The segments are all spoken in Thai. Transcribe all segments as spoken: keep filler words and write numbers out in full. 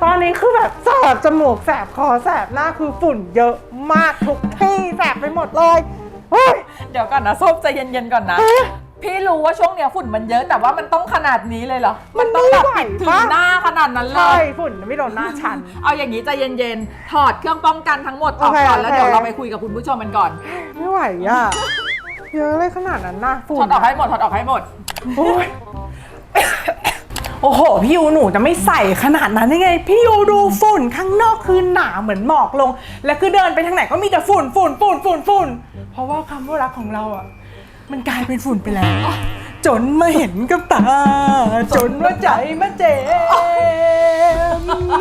ตอนนี้คือแบบแสบจมูกแสบคอแสบหน้าคือฝุ่นเยอะมากทุกที่แสบไปหมดเลยเฮ้ยเดี๋ยวก่อนนะส้มใจเย็นๆก่อนนะพี่รู้ว่าช่วงเนี้ยฝุ่นมันเยอะแต่ว่ามันต้องขนาดนี้เลยเหรอมันต้องแบบปิดถึงหน้าขนาดนั้นเลยใช่ฝุ่นไม่โดนหน้าฉันเอาอย่างนี้ใจเย็นๆถอดเครื่องป้องกันทั้งหมดออกก่อนแล้วเดี๋ยวเราไปคุยกับคุณผู้ชมกันก่อนไม่ไหวอ่ะเยอะเลยขนาดนั้นนะฝุ่นถอดออกให้หมดถอดออกให้หมดโอ้ยโอ้โหพี่ยูหนูจะไม่ใส่ขนาดนั้นได้ไงพี่ยูดูฝุ่นข้างนอกคือหนาเหมือนหมอกลงและคือเดินไปทางไหนก็มีแต่ฝุ่นฝุ่นฝุ่นฝุ่นฝุ่นเพราะว่าคำว่ารักของเราอ่ะมันกลายเป็นฝุ่นไปแล้วจนมาเห็นกับตาจนว่าใจมาเจ็บ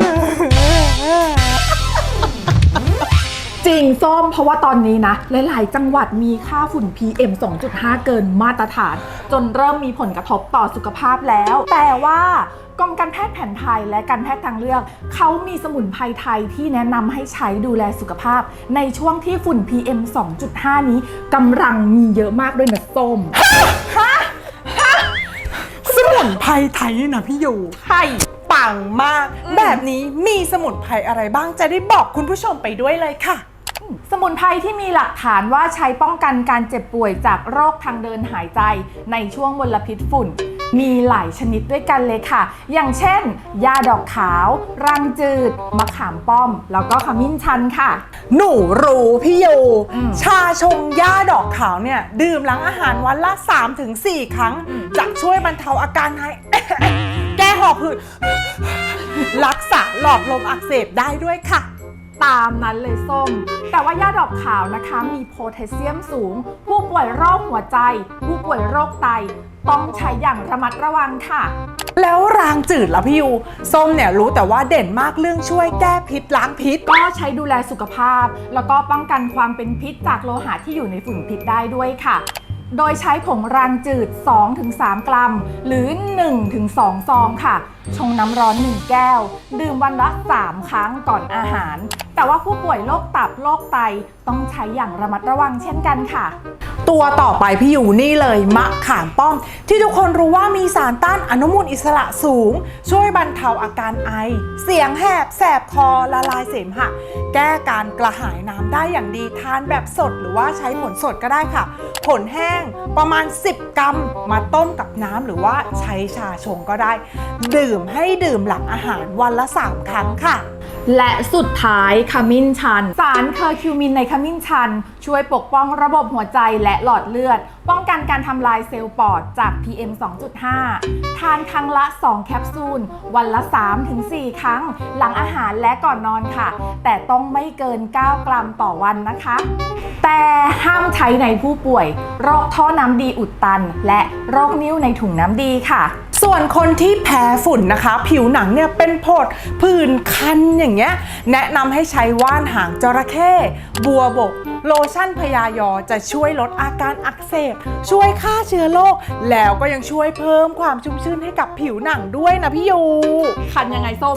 จริงส้มเพราะว่าตอนนี้นะหลายๆจังหวัดมีค่าฝุ่น พี เอ็ม สองจุดห้า เกินมาตรฐานจนเริ่มมีผลกระทบต่อสุขภาพแล้วแต่ว่ากรมการแพทย์แผนไทยและการแพทย์ทางเลือกเขามีสมุนไพรไทยที่แนะนำให้ใช้ดูแลสุขภาพในช่วงที่ฝุ่น พี เอ็ม สองจุดห้า นี้กำลังมีเยอะมากด้วยนะส้มฮะฮะสมุนไพรไทยนี่นะพี่ยูใช่ปังมากแบบนี้มีสมุนไพรอะไรบ้างจะได้บอกคุณผู้ชมไปด้วยเลยค่ะสมุนไพรที่มีหลักฐานว่าใช้ป้องกันการเจ็บป่วยจากโรคทางเดินหายใจในช่วงมลพิษฝุ่นมีหลายชนิดด้วยกันเลยค่ะอย่างเช่นยาดอกขาวรังจืดมะขามป้อมแล้วก็ขมิ้นชันค่ะหนูรู้พี่ยูชาชงยาดอกขาวเนี่ยดื่มหลังอาหารวันละ สามถึงสี่ ครั้งจะช่วยบรรเทาอาการหายแก้หอบหืดรักษาหลอดลมอักเสบได้ด้วยค่ะตามนั้นเลยส้มแต่ว่ายาดอกขาวนะคะมีโพแทสเซียมสูงผู้ป่วยโรคหัวใจผู้ป่วยโรคไตต้องใช้อย่างระมัดระวังค่ะแล้วรางจืดล่ะพี่ยูส้มเนี่ยรู้แต่ว่าเด่นมากเรื่องช่วยแก้พิษล้างพิษก็ใช้ดูแลสุขภาพแล้วก็ป้องกันความเป็นพิษจากโลหะที่อยู่ในฝุ่นพิษได้ด้วยค่ะโดยใช้ผงรางจืด สองถึงสาม กรัมหรือ หนึ่งถึงสอง ซองค่ะชงน้ำร้อนหนึ่งแก้วดื่มวันละสามครั้งก่อนอาหารแต่ว่าผู้ป่วยโรคตับโรคไตต้องใช้อย่างระมัดระวังเช่นกันค่ะตัวต่อไปพี่อยู่นี่เลยมะขามป้อมที่ทุกคนรู้ว่ามีสารต้านอนุมูลอิสระสูงช่วยบรรเทาอาการไอเสียงแหบแสบคอละลายเสมหะแก้การกระหายน้ำได้อย่างดีทานแบบสดหรือว่าใช้ผลสดก็ได้ค่ะผลแห้งประมาณสิบกรัมมาต้มกับน้ำหรือว่าใช้ชาชงก็ได้ดื่มให้ดื่มหลังอาหารวันละสามครั้งค่ะและสุดท้ายขมิ้นชันสารเคอร์คิวมินในขมิ้นชันช่วยปกป้องระบบหัวใจและหลอดเลือดป้องกันการทำลายเซลล์ปอดจาก พี เอ็ม สองจุดห้า ทานครั้งละสองแคปซูลวันละ สามถึงสี่ ครั้งหลังอาหารและก่อนนอนค่ะแต่ต้องไม่เกินเก้ากรัมต่อวันนะคะแต่ห้ามใช้ในผู้ป่วยโรคท่อน้ำดีอุดตันและโรคนิ่วในถุงน้ำดีค่ะส่วนคนที่แพ้ฝุ่นนะคะผิวหนังเนี่ยเป็นผดผื่นคันอย่างเงี้ยแนะนำให้ใช้ว่านหางจระเข้บัวบกโลชั่นพยายอจะช่วยลดอาการอักเสบช่วยฆ่าเชื้อโรคแล้วก็ยังช่วยเพิ่มความชุ่มชื่นให้กับผิวหนังด้วยนะพี่ยูคันยังไงส้ม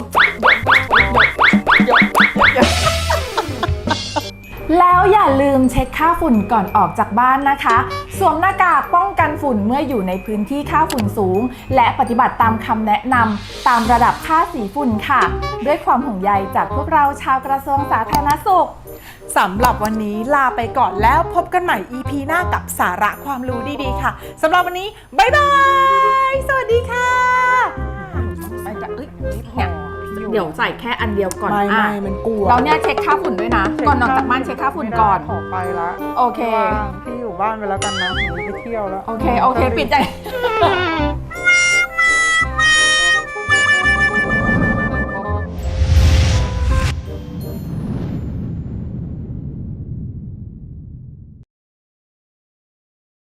แล้วอย่าลืมเช็คค่าฝุ่นก่อนออกจากบ้านนะคะสวมหน้ากากป้องกันฝุ่นเมื่ออยู่ในพื้นที่ค่าฝุ่นสูงและปฏิบัติตามคำแนะนำตามระดับค่าสีฝุ่นค่ะด้วยความห่วงใยจากพวกเราชาวกระทรวงสาธารณสุขสำหรับวันนี้ลาไปก่อนแล้วพบกันใหม่ อี พี หน้ากับสาระความรู้ดีๆค่ะสำหรับวันนี้บ๊ายบายสวัสดีค่ะเดี๋ยวใส่แค่อันเดียวก่อนไม่ไม่มันกลัวเราเนี่ยเช็คค่าฝุ่นด้วยนะก่อนออกจากบ้านเช็คค่าฝุ่นก่อนขอไปละโอเคพี่อยู่บ้านไปแล้วกันนะหนูไปเที่ยวแล้วโอเคโอเคปิดใจ